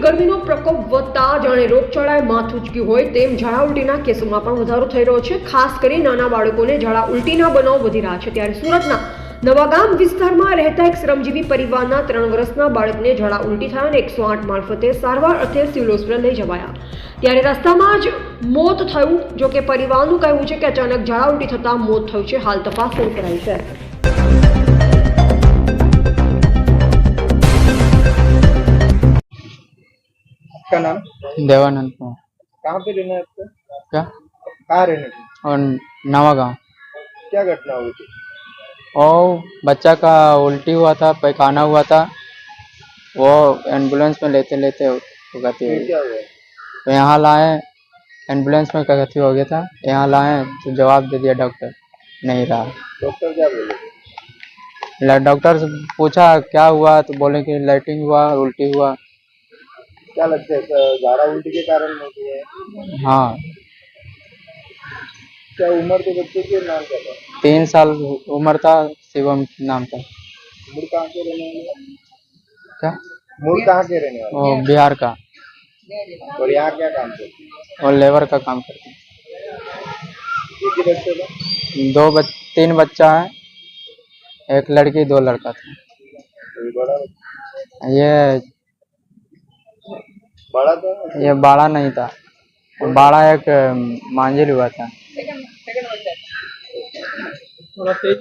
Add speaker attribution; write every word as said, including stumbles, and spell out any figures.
Speaker 1: ગરમીનો પ્રકોપ વધતા જાણે રોગચાળાએ માથું ઉચક્યું હોય તેમ ઝાડા ઉલટીના કેસોમાં પણ વધારો થઈ રહ્યો છે। ખાસ કરી નાના બાળકોને ઝાડા ઉલટીના બનાવ વધી રહ્યા છે। ત્યારે સુરતના નવાગામ વિસ્તારમાં રહેતા એક શ્રમજીવી પરિવારના ત્રણ વર્ષના બાળકને ઝાડા ઉલટી થયા અને એકસો આઠ મારફતે સારવાર અર્થે સિવિલ હોસ્પિટલ લઈ જવાયા। ત્યારે રસ્તામાં જ મોત થયું। જો કે પરિવારનું કહેવું છે કે અચાનક ઝાડા ઉલટી થતા મોત થયું છે। હાલ તપાસ શરૂ કરાઈ છે।
Speaker 2: का नाम?
Speaker 3: देवानंद कुमार।
Speaker 2: कहाँ पे रहना है आपको?
Speaker 3: क्या?
Speaker 2: कहाँ रहने की?
Speaker 3: और नवा गाँव।
Speaker 2: क्या घटना हुई थी?
Speaker 3: और बच्चा का उल्टी हुआ था, पैखाना हुआ था, वो एम्बुलेंस में लेते लेते गति हो
Speaker 2: फिर
Speaker 3: गई।
Speaker 2: क्या हुआ?
Speaker 3: तो यहाँ लाए, एम्बुलेंस में गति हो गया था। यहाँ लाए तो जवाब दे दिया डॉक्टर, नहीं रहा।
Speaker 2: डॉक्टर क्या बोले?
Speaker 3: ल- डॉक्टर से पूछा क्या हुआ तो बोले कि लाइटिंग हुआ, उल्टी हुआ।
Speaker 2: क्या लगता है सर, झाड़ा उल्टी के कारण होती है?
Speaker 3: हाँ,
Speaker 2: क्या उम्र के बच्चे के नाम क्या था?
Speaker 3: तीन साल उम्र था, शिवम नाम था।
Speaker 2: मूल कहाँ के रहने वाले?
Speaker 3: क्या?
Speaker 2: मूल कहाँ के रहने वाले?
Speaker 3: वो बिहार का,
Speaker 2: और यहाँ क्या काम करते हैं?
Speaker 3: और लेबर का काम करते
Speaker 2: एक ही बच्चे का?
Speaker 3: हैं। दो बच, तीन बच्चा है, एक लड़की दो लड़का था।
Speaker 2: कोई बड़ा बच्चा?
Speaker 3: ये
Speaker 2: बड़ा था?
Speaker 3: ये बाड़ा नहीं था, बाड़ा एक मांझिल हुआ था।